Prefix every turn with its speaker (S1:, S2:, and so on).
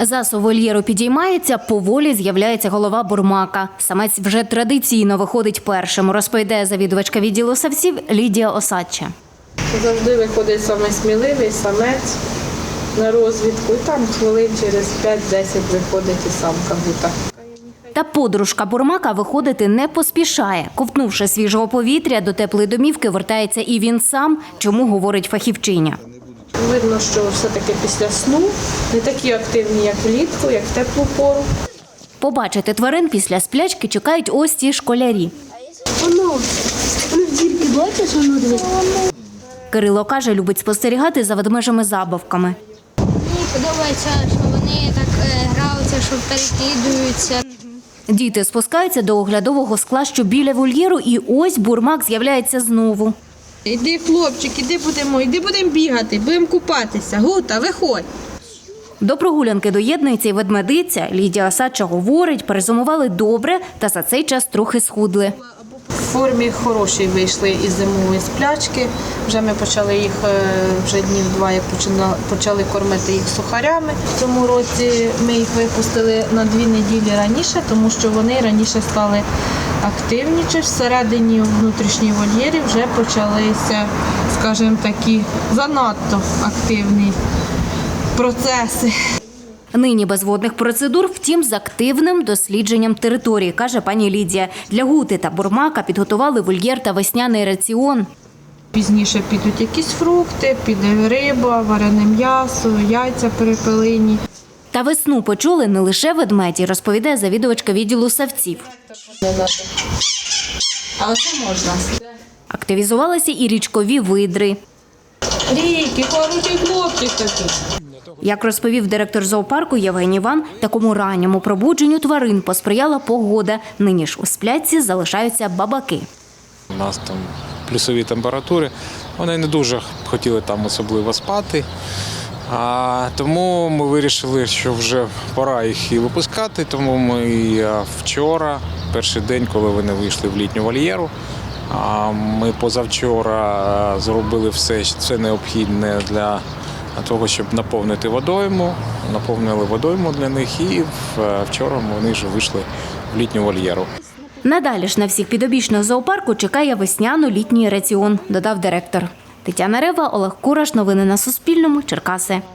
S1: Засув вольєру підіймається, поволі з'являється голова бурмака. Самець вже традиційно виходить першим, розповідає завідувачка відділу савців Лідія Осадча.
S2: Завжди виходить саме сміливий самець на розвідку, і там хвилин через 5-10 виходить і самка бута.
S1: Та подружка бурмака виходити не поспішає. Ковтнувши свіжого повітря, до теплої домівки вертається і він сам, чому говорить фахівчиня.
S2: Видно, що все-таки після сну не такі активні, як влітку, як в теплу пору.
S1: Побачити тварин після сплячки чекають ось ці школярі.
S3: Воно в дірки бачиш, воно дивись.
S1: Кирило каже, любить спостерігати за ведмежими-забавками.
S3: Мені подобається, що вони так граються, що перекидаються.
S1: Діти спускаються до оглядового скла, що біля вольєру, і ось бурмак з'являється знову.
S4: Іди, хлопчик, іди будемо бігати, будемо купатися. Гута, виходь.
S1: До прогулянки доєднується і ведмедиця. Лідія Осадча говорить, перезимували добре та за цей час трохи схудли.
S2: В формі хорошій вийшли із зимової сплячки. Вже ми почали їх вже днів 2, як почали кормити їх сухарями. В цьому році ми їх випустили на 2 неділі раніше, тому що вони раніше стали активніші. Всередині внутрішній вольєрі вже почалися, скажімо, такі занадто активні процеси.
S1: Нині без водних процедур, втім, з активним дослідженням території, каже пані Лідія. Для гути та бурмака підготували вольєр та весняний раціон.
S2: Пізніше підуть якісь фрукти, піде риба, варене м'ясо, яйця перепелині.
S1: Та весну почули не лише ведмеді, розповідає завідувачка відділу савців.
S2: Але це можна.
S1: Активізувалися і річкові видри.
S2: Ріки, хороший хлопчик такий.
S1: Як розповів директор зоопарку Євгеній Іван, такому ранньому пробудженню тварин посприяла погода. Нині ж у сплячці залишаються бабаки.
S5: У нас там плюсові температури, вони не дуже хотіли там особливо спати. Тому ми вирішили, що вже пора їх і випускати. Тому ми вчора, перший день, коли вони вийшли в літню вольєру, ми позавчора зробили все необхідне для того, щоб наповнити водойму. Наповнили водойму для них і вчора вони вже вийшли в літню вольєру.
S1: Надалі ж на всіх підопічних зоопарку чекає весняно-літній раціон, додав директор. Тетяна Рева, Олег Кураш. Новини на Суспільному. Черкаси.